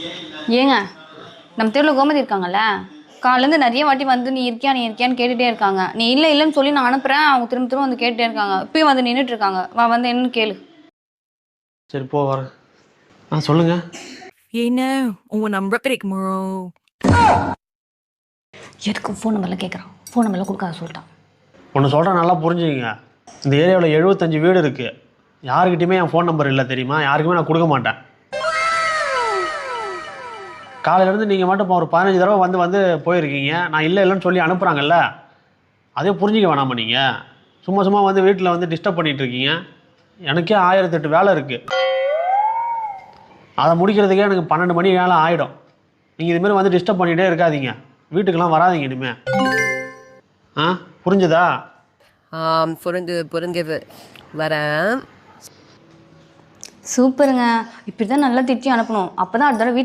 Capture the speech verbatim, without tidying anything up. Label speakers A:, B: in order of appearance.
A: ஏங்க நம்ம தெருவில் கோமதி இருக்காங்கல்ல, காலேருந்து நிறைய வாட்டி வந்து நீ இருக்கியா நீ இருக்கியான்னு கேட்டுகிட்டே இருக்காங்க. நீ இல்லை இல்லைன்னு சொல்லி நான் அனுப்புகிறேன், அவங்க திரும்ப திரும்ப வந்து கேட்டுகிட்டே இருக்காங்க. இப்பயும் வந்து நின்றுட்டு இருக்காங்க. வா வந்து என்னன்னு கேளு.
B: சரி போ வரேன். ஆ சொல்லுங்க.
C: You know, உன் நம்பர் கிடைக்குமோ?
A: எதுக்கு ஃபோன் நம்பர்லாம் கேட்குறான்? ஃபோன் நம்பர்லாம் கொடுக்காத சொல்லிட்டான்.
B: ஒன்று சொல்கிறேன், நல்லா புரிஞ்சுக்கங்க. இந்த ஏரியாவில் எழுபத்தஞ்சு வீடு இருக்குது. யாருக்கிட்டையுமே என் ஃபோன் நம்பர் இல்லை தெரியுமா? யாருக்குமே நான் கொடுக்க மாட்டேன். காலையிலேருந்து நீங்கள் மட்டும் இப்போ ஒரு பதினஞ்சு தடவை வந்து வந்து போயிருக்கீங்க. நான் இல்லை இல்லைன்னு சொல்லி அனுப்புகிறாங்கல்ல, அதே புரிஞ்சிக்க வேணாமா நீங்கள்? சும்மா சும்மா வந்து வீட்டில் வந்து டிஸ்டர்ப் பண்ணிகிட்டு இருக்கீங்க. எனக்கே ஆயிரத்தெட்டு வேலை இருக்குது. அதை முடிக்கிறதுக்கே எனக்கு பன்னெண்டு மணி வேலை ஆகிடும். நீங்கள் இதுமாரி வந்து டிஸ்டர்ப் பண்ணிகிட்டே இருக்காதீங்க. வீட்டுக்கெல்லாம் வராதிங்க இனிமே. ஆ புரிஞ்சுதா?
C: ஆம், புரிந்து புரிஞ்சது. வரேன்.
A: சூப்பருங்க. இப்படி தான் நல்லா திட்டி அனுப்பணும். அப்போ தான் அடுத்த தடவை வீட்டு